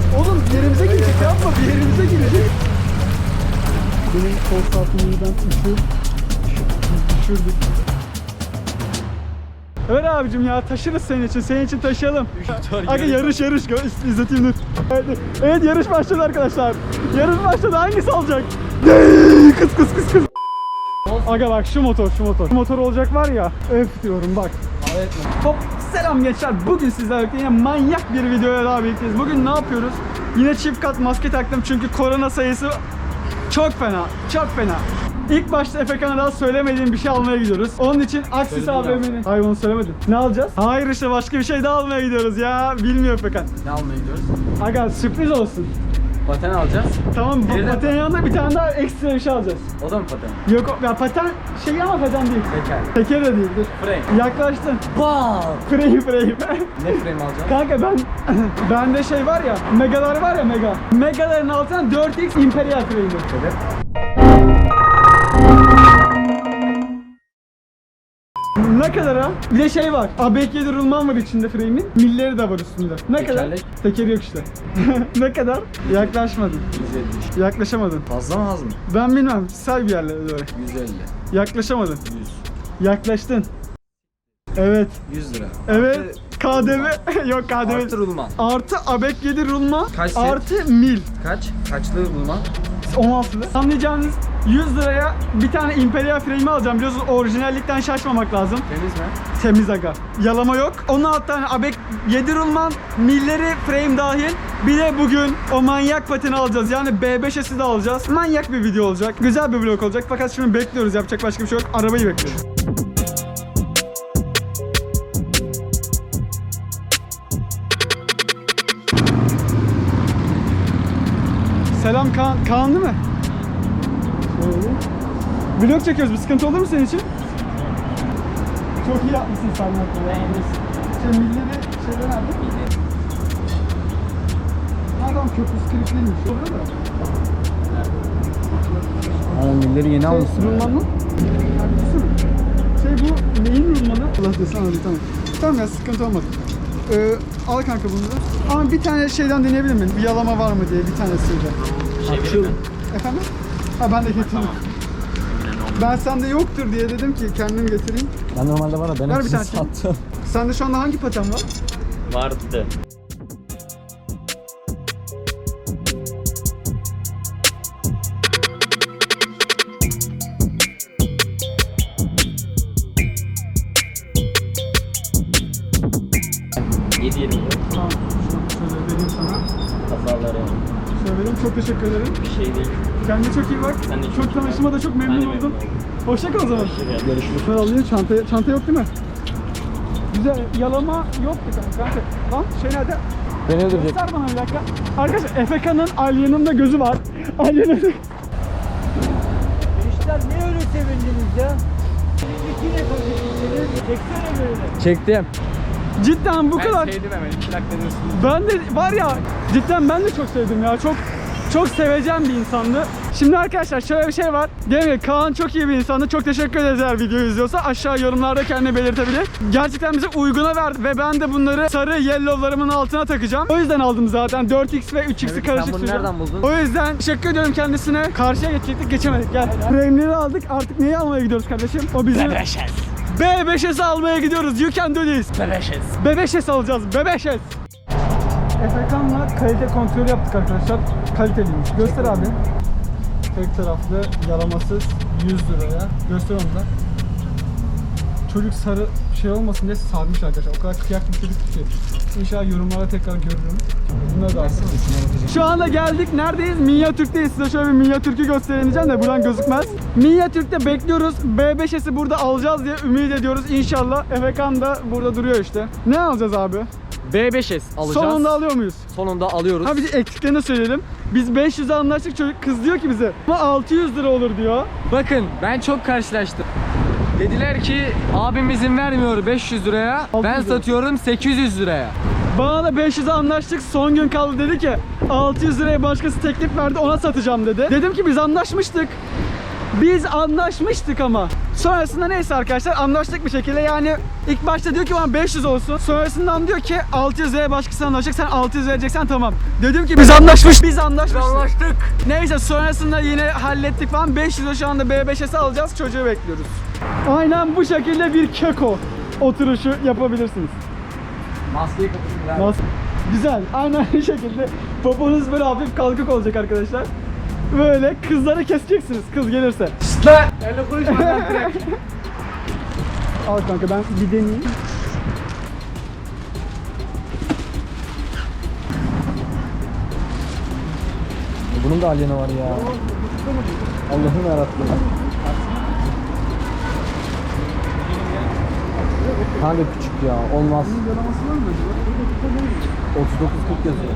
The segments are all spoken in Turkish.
Oğlum yerimize girecek, yapma, bir yerimize girecek. Benim kol saltımından düşürdük. Evet abicim ya, taşırız senin için taşıyalım. Aga yarış izleteyim dur. Evet yarış başladı arkadaşlar. Yarış başladı, hangisi alacak? Kız. Aga bak şu motor. Şu motor olacak var ya, öf diyorum bak. Evet. Hop selam gençler, bugün sizlerle birlikte yine manyak bir videoya daha birlikteyiz. Bugün ne yapıyoruz? Yine çift kat maske taktım çünkü korona sayısı çok fena. İlk başta Efekan'a daha söylemediğim bir şey almaya gidiyoruz. Onun için Aksis AVM'nin... Hayır onu söylemedin. Ne alacağız? Hayır işte başka bir şey daha almaya gidiyoruz ya. Bilmiyor Efekan. Ne almaya gidiyoruz? Aga sürpriz olsun. Paten alacağız. Tamam, bu patenin yanında bir tane daha ekstra bir şey alacağız. O da mı paten? Yok ya, paten şey ama paten değil. Teker de değildir. Frame. Yaklaştın. Wow. Frame. Ne frame alacağız? Kanka bende şey var ya, megalar var ya mega. Megaların altına 4x Imperial frame'di. Evet. Ne kadar ha? Bir de şey var. ABK rulman var içinde frame'in. Milleri de var üstünde. Ne kadar? Tekeri yok işte. Ne kadar? Yaklaşmadın. 170. Yaklaşamadın. Fazla mı az mı? Ben bilmem. Say bir yerlere doğru. 150. Yaklaşamadın. 100. Yaklaştın. Evet. 100 lira. Evet. KDV. Yok KDV. Artı rulman. Artı ABK rulman. Kaç set? Artı mil. Kaçlı rulman? 16'lı. Anlayacağınız 100 liraya bir tane Imperial frame'i alacağım. Biliyorsunuz orijinallikten şaşmamak lazım. Temiz mi? Temiz aga. Yalama yok. 16 tane ABK 7 rulman, milleri frame dahil. Bir de bugün o manyak pateni alacağız. Yani B5'esi de alacağız. Manyak bir video olacak. Güzel bir vlog olacak. Fakat şimdi bekliyoruz. Yapacak başka bir şey yok. Arabayı bekliyoruz. Selam Kaan. Kaan değil mi? Şöyle. Vlog çekiyoruz. Bir sıkıntı olur mu senin için? Çok iyi yapmışsın sen ya. Şey milleri şeyler nerede? Adam köprüsü kırıklıymış. Orada da. Ama milleri yeni almışsın. Rulman mı? Şey bu neyin rulmanı? Allah desin abi tamam. Tamam ya, sıkıntı olmadı. Al kanka bunu da. Ama bir tane şeyden deneyebilir miyim? Bir yalama var mı diye bir tanesiyle. Açıl. Efendim? Ha ben de getirdim. Ben sende yoktur diye dedim ki kendim getireyim. Ben normalde var ya, ben Ver bir tane. sattım. Sende şu anda hangi paten var? Vardı. Tamam. Şöyle vereyim sana. Kafaları. Şöyle vereyim. Çok teşekkür ederim. Bir şey değil. Kendine çok iyi bak. Sen de çok Çok tanıştığıma da çok memnun Ben de oldum. memnun oldum. Hoşça kal o zaman. Görüşürüz. Şöyle alayım çanta yok değil mi? Güzel. Yalama yoktu kanka. Lan şey nerede? Beni öldürecek. Göster bana bir dakika. Arkadaşlar Efekan'ın Alya'nın da gözü var. Alya'nın. Gençler niye öyle sevindiniz ya? İki ne konuşuyorsunuz? Çeksene böyle. Çektim. Cidden bu kadar. sevdim hemen. 2 dakika diyorsun. Ben de var ya, cidden ben de çok sevdim ya. Çok seveceğim bir insandı. Şimdi arkadaşlar şöyle bir şey var. Diyelim ki Kaan çok iyi bir insandı. Çok teşekkür ederiz eğer videoyu izliyorsa. Aşağı yorumlarda kendini belirtebilir. Gerçekten bize uyguna verdi ve ben de bunları sarı yellow'larımın altına takacağım. O yüzden aldım zaten. 4x ve 3x'i Evet, karışık sen bunu süreceğim. nereden buldun? O yüzden teşekkür ediyorum kendisine. Karşıya geçecektik, geçemedik. Gel. Frame'leri aldık. Artık neyi almaya gidiyoruz kardeşim? O bizim... B5S almaya gidiyoruz. You can do this. B5S alacağız. B5S. Efekan'la kalite kontrolü yaptık arkadaşlar. Kaliteliymiş. Göster abi. Tek taraflı yalamasız 100 liraya. Göster onu da. Çocuk sarı şey olmasın diye sarmış arkadaşlar. O kadar kıyak bir çocuk ki. İnşallah yorumlara tekrar görürüm. Bunları da alsın. Şu anda geldik. Neredeyiz? Minyatürk'teyiz. Size şöyle bir Minyatürk'ü göstereyim de buradan gözükmez. Minyatürk'te bekliyoruz. B5S'i burada alacağız diye ümit ediyoruz. İnşallah. Efekan da burada duruyor işte. Ne alacağız abi? B5S alacağız. Sonunda alıyor muyuz? Sonunda alıyoruz. Ha bir de eksiklerini söyleyelim. Biz 500'e anlaştık, çocuk kız diyor ki bize ama 600 lira olur diyor. Bakın ben çok karşılaştım. Dediler ki abim izin vermiyor 500 liraya. 600 Ben lira. satıyorum 800 liraya. Bana da 500'e anlaştık, son gün kaldı, dedi ki 600 liraya başkası teklif verdi, ona satacağım dedi. Dedim ki biz anlaşmıştık. Biz anlaşmıştık ama Sonrasında neyse arkadaşlar anlaştık bir şekilde. Yani ilk başta diyor ki bana 500 olsun. Sonrasından diyor ki 600 liraya başkası anlaşacak. Sen 600 vereceksen tamam. Dedim ki biz anlaştık. Anlaştık. Neyse sonrasında yine hallettik falan. 500 lira şu anda B5S'i alacağız. Çocuğu bekliyoruz. Aynen bu şekilde bir keko oturuşu yapabilirsiniz. Maskeyi kapatın. Nasıl? Güzel. Aynen bu şekilde. Poponuz böyle hafif kalkık olacak arkadaşlar. Böyle kızları keseceksiniz kız gelirse. Lan! Öyle konuşma lan direkt. Al kanka ben bir deneyeyim. Bunun da alyeni var ya. Allah'ım yarattı. Kanka küçük ya, olmaz. 39-40 yazıyor.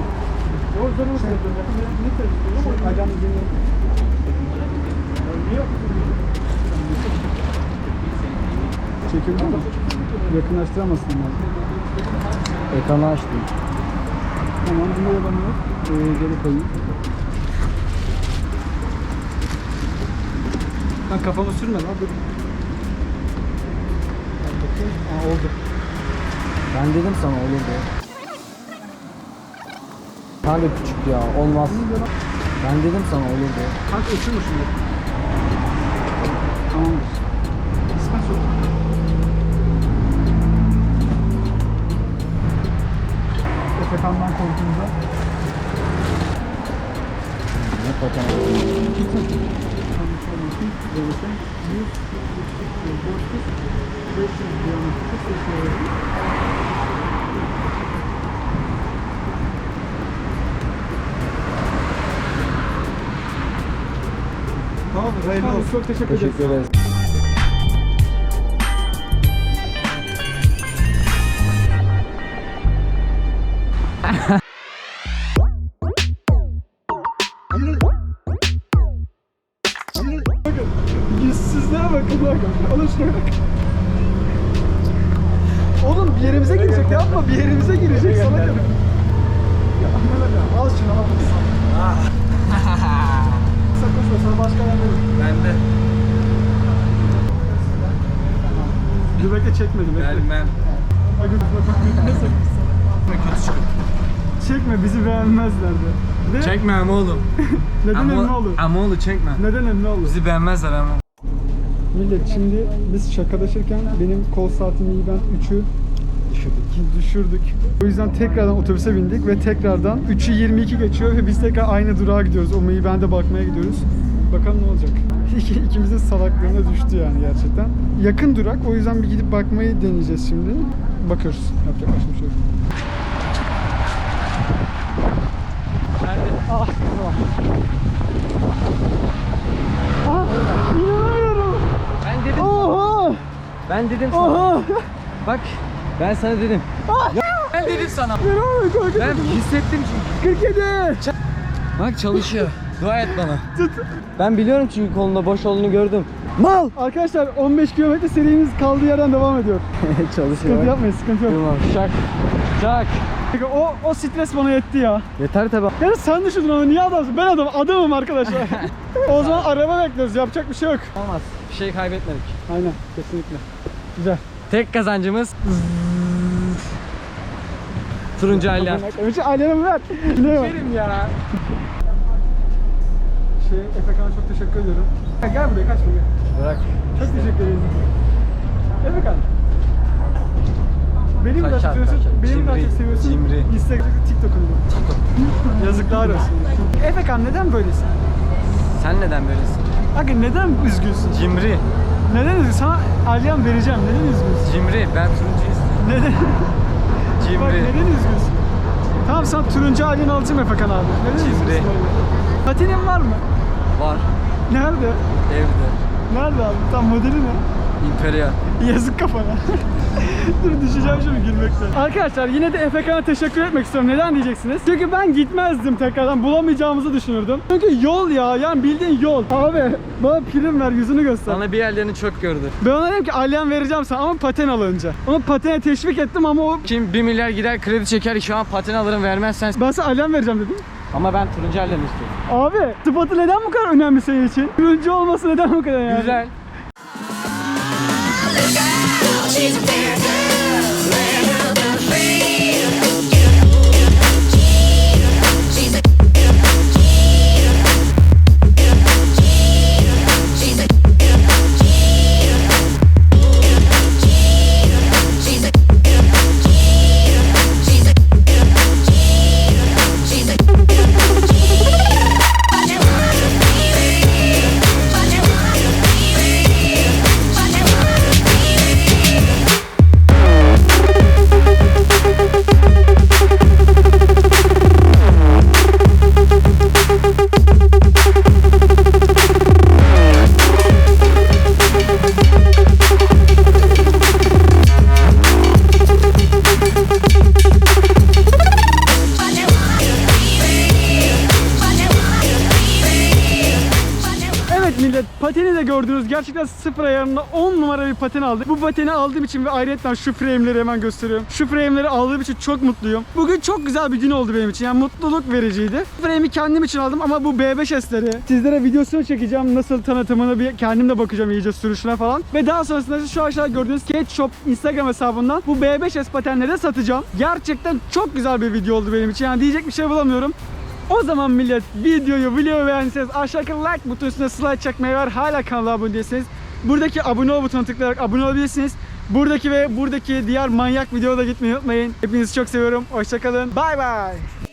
Çekildi mi? Yakınlaştıramazsın yani. Ekranı açtım. Tamam bunu yapamıyor. Geri koyayım. Ben kafamı sürme lan dur. Aa, oldu. Ben dedim sana olur diye. Kanka küçük ya, olmaz. Ben dedim sana olur diye. Kanka uçurma şimdi. Tamamdır. İsmet sok. Efekan'dan korktuğunda. Ne paten? Tamam, hayırlı olsun. Çok teşekkür ederiz. Teşekkür ederiz. Yüzsüzlüğe bakın bak. Alın şuna bak. Oğlum bir yerimize girecek yapma. Bir yerimize girecek sana kadar. Ya al şunu al. Sakın sana başka yer verin. Ben de. Dur bekle çekmedi bekle. Gelmem. Bak ne sakın. Çekme bizi beğenmezler de. Ne? Çekme ama oğlum. Neden ünlü olur? Ama oğlum çekme. Neden ünlü olur? Bizi beğenmezler ama. Millet şimdi biz şakalaşırken benim kol saatimi iyi ben 3'ü düşürdük. O yüzden tekrardan otobüse bindik ve tekrardan 3'ü 22 geçiyor ve biz tekrar aynı durağa gidiyoruz. O Mayben'de bakmaya gidiyoruz. Bakalım ne olacak. İkimizin salaklığına düştü yani gerçekten. Yakın durak o yüzden bir gidip bakmayı deneyeceğiz şimdi. Bakıyoruz. Yapacak başka bir şey yok. Ah, tamam. Ah, inanamıyorum. Ben dedim. Oha! Ben dedim sana. Oha! Bak ben sana dedim. Ya, ben dedim sana. İnanamıyorum kanka. Ben hissettim çünkü. 47. Bak çalışıyor. Dua et bana. Tut. Ben biliyorum çünkü kolunda boş olduğunu gördüm. Mal! Arkadaşlar 15 kilometre serimiz kaldığı yerden devam ediyor. Çalışıyor. Sıkıntı yapmayın, sıkıntı yok. Tamam. Şak. Şak. O stres bana yetti ya. Yeter tabi. Yani sen düşündün ama niye adamsın? Ben adamım arkadaşlar. O zaman araba bekliyoruz, yapacak bir şey yok. Olmaz. Bir şey kaybetmedik. Aynen, kesinlikle. Güzel. Tek kazancımız turuncu aile. Önce aileme ver. Ne var? ya. Efekan'a çok teşekkür ediyorum. Gel buraya, kaçma gel. Bırak. Çok teşekkür ederim. Efekan. Beni mi daha çok Kaçar, seviyorsun? kaçar. Beni mi daha çok Cimri, seviyorsun? cimri. Instagram'da, TikTok'unda. Yazıklar olsun. Efekan neden böylesin? Sen neden böylesin? Aga neden üzgünsün? Cimri. Neden üzgünsün? Sana alyam vereceğim. Neden üzgünsün? Cimri. Ben turuncu istiyorum. Neden? Bak Cimri. neden üzgünsün? Tamam sana turuncu alyeni alacağım Efekan abi. Neden Cimri. üzgünsün öyle? Patinin var mı? Var. Nerede? Evde. Nerede abi? Tam modeli ne? İmperial. Yazık kafana. Dur düşeceğim şimdi gülmekten. Arkadaşlar yine de Efekan'a teşekkür etmek istiyorum. Neden diyeceksiniz? Çünkü ben gitmezdim tekrardan. Bulamayacağımızı düşünürdüm. Çünkü yol ya. Yani bildiğin yol. Abi bana prim ver, yüzünü göster. Sana bir yerlerini çok gördü. Ben ona dedim ki alyan vereceğim sana ama paten al önce. Onu patene teşvik ettim ama o... Kim 1 milyar gider kredi çeker şu an paten alırım vermezsen. Ben sana alyan vereceğim dedim. Ama ben turuncu aileni istiyorum. Abi sıfatı neden bu kadar önemli senin için? Turuncu olması neden bu kadar yani? Güzel. She's a bad girl, land of the free. She's a Evet millet, pateni de gördünüz. Gerçekten sıfır ayarında 10 numara bir paten aldık. Bu pateni aldığım için ve ayrıca şu frame'leri hemen gösteriyorum. Şu frame'leri aldığım için çok mutluyum. Bugün çok güzel bir gün oldu benim için. Yani mutluluk vericiydi. Frame'i kendim için aldım ama bu B5S'leri sizlere videosunu çekeceğim. Nasıl tanıtımını bir kendim de bakacağım iyice sürüşüne falan. Ve daha sonrasında şu aşağıda gördüğünüz Skate Shop Instagram hesabından bu B5S patenleri de satacağım. Gerçekten çok güzel bir video oldu benim için. Yani diyecek bir şey bulamıyorum. O zaman millet, videoyu beğendiyseniz aşağıdaki like butonuna üstüne slide çekmeyi var. Hala kanala abone değilseniz buradaki abone ol butonuna tıklayarak abone olabilirsiniz. Buradaki ve buradaki diğer manyak videoda gitmeyi unutmayın. Hepinizi çok seviyorum. Hoşçakalın. Bay bay.